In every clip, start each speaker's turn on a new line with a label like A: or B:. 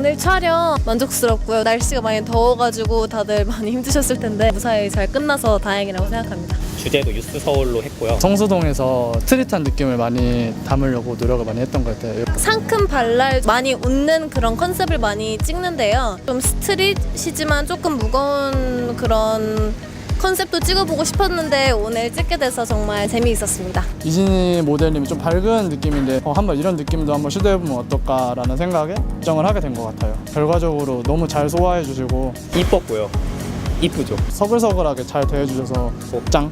A: 오늘 촬영 만족스럽고요. 날씨가 많이 더워가지고 다들 많이 힘드셨을 텐데 무사히 잘 끝나서 다행이라고 생각합니다.
B: 주제도 유스 서울로 했고요.
C: 성수동에서 스트릿한 느낌을 많이 담으려고 노력을 많이 했던 것 같아요.
A: 상큼 발랄 많이 웃는 그런 컨셉을 많이 찍는데요. 좀 스트릿이지만 조금 무거운 그런 컨셉도 찍어보고 싶었는데 오늘 찍게 돼서 정말 재미있었습니다.
C: 이진희 모델님이 좀 밝은 느낌인데 한번 이런 느낌도 한번 시도해보면 어떨까라는 생각에 결정을 하게 된 것 같아요. 결과적으로 너무 잘 소화해 주시고
B: 이뻤고요. 이쁘죠.
C: 서글서글하게 잘 대해주셔서 짱!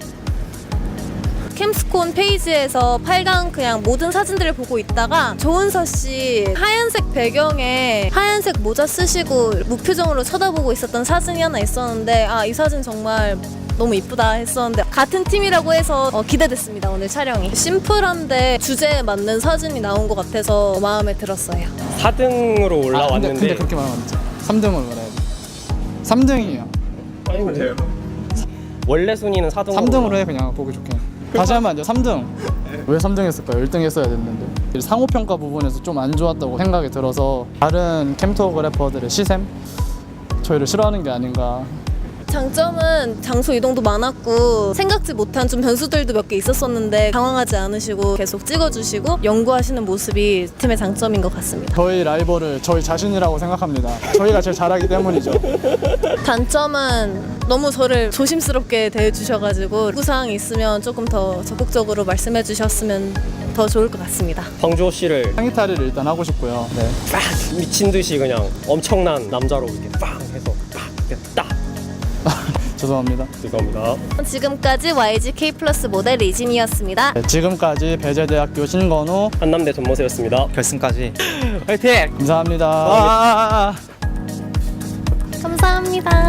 A: 캠스콘 페이지에서 8강 그냥 모든 사진들을 보고 있다가 조은서 씨 하얀색 배경에 하얀색 모자 쓰시고 무표정으로 쳐다보고 있었던 사진이 하나 있었는데 이 사진 정말 너무 이쁘다 했었는데 같은 팀이라고 해서 기대됐습니다. 오늘 촬영이 심플한데 주제에 맞는 사진이 나온 것 같아서 마음에 들었어요.
B: 4등으로 올라왔는데
C: 근데 그렇게 말하면 안 되죠. 3등으로 말해야 돼. 3등이에요.
B: 아닌데요. 원래 순위는 4등으로
C: 3등으로 해 그냥 보기 좋게. 다시 하면 안 돼요. 3등. 왜 3등 했을까요? 1등 했어야 됐는데. 상호평가 부분에서 좀 안 좋았다고 생각이 들어서 다른 캠토그래퍼들의 시샘? 저희를 싫어하는 게 아닌가.
A: 장점은 장소 이동도 많았고 생각지 못한 좀 변수들도 몇 개 있었었는데 당황하지 않으시고 계속 찍어주시고 연구하시는 모습이 팀의 장점인 것 같습니다.
C: 저희 라이벌을 저희 자신이라고 생각합니다. 저희가 제일 잘하기 때문이죠.
A: 단점은 너무 저를 조심스럽게 대해주셔가지고 요구사항이 있으면 조금 더 적극적으로 말씀해 주셨으면 더 좋을 것 같습니다.
B: 황주호 씨를
C: 상의 탈의를 일단 하고 싶고요. 네.
B: 빡 미친 듯이 그냥 엄청난 남자로 이렇게 빵 해서 빡 이렇게 딱
C: 죄송합니다.
B: 죄송합니다.
A: 지금까지 YGK 플러스 모델 이진이었습니다.
C: 네, 지금까지 배재대학교 신건우
B: 한남대 전모세였습니다.
D: 결승까지 화이팅!
C: 감사합니다.
A: 감사합니다.